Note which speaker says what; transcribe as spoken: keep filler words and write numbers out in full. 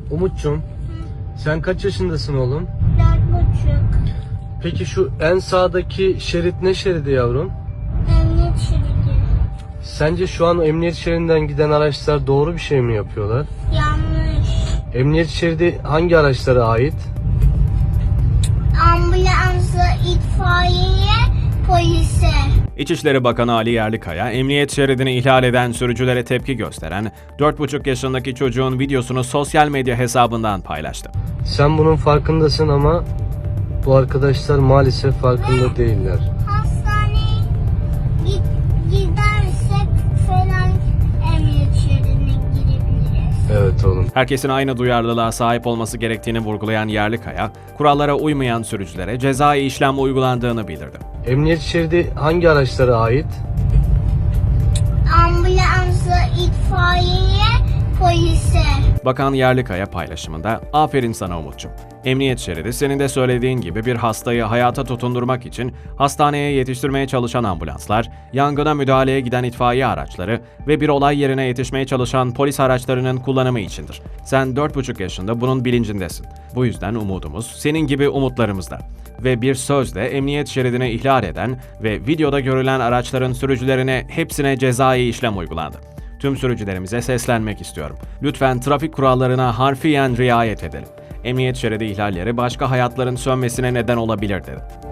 Speaker 1: Umut'cum, sen kaç yaşındasın oğlum?
Speaker 2: Dört buçuk.
Speaker 1: Peki şu en sağdaki şerit ne şeridi yavrum?
Speaker 2: Emniyet şeridi.
Speaker 1: Sence şu an emniyet şeridinden giden araçlar doğru bir şey mi yapıyorlar?
Speaker 2: Yanlış.
Speaker 1: Emniyet şeridi hangi araçlara ait?
Speaker 2: Ambulansa, itfaiyeye, polise.
Speaker 3: İçişleri Bakanı Ali Yerlikaya, emniyet şeridini ihlal eden sürücülere tepki gösteren dört buçuk yaşındaki çocuğun videosunu sosyal medya hesabından paylaştı.
Speaker 1: Sen bunun farkındasın ama bu arkadaşlar maalesef farkında değiller.
Speaker 2: Hastaneye git, gidersek falan emniyet şeridine girebiliriz.
Speaker 1: Evet oğlum.
Speaker 3: Herkesin aynı duyarlılığa sahip olması gerektiğini vurgulayan Yerlikaya, kurallara uymayan sürücülere cezai işlem uygulandığını bildirdi.
Speaker 1: Emniyet şeridi hangi araçlara ait?
Speaker 2: Ambulansa, itfaiyeye, polise.
Speaker 3: Bakan Yerlikaya paylaşımında, "Aferin sana Umut'cum. Emniyet şeridi senin de söylediğin gibi bir hastayı hayata tutundurmak için hastaneye yetiştirmeye çalışan ambulanslar, yangına müdahaleye giden itfaiye araçları ve bir olay yerine yetişmeye çalışan polis araçlarının kullanımı içindir. Sen dört buçuk yaşında bunun bilincindesin. Bu yüzden umudumuz senin gibi umutlarımızda." Ve bir sözle emniyet şeridini ihlal eden ve videoda görülen araçların sürücülerine hepsine cezai işlem uygulandı. Tüm sürücülerimize seslenmek istiyorum. Lütfen trafik kurallarına harfiyen riayet edelim. Emniyet şeridi ihlalleri başka hayatların sönmesine neden olabilir dedi.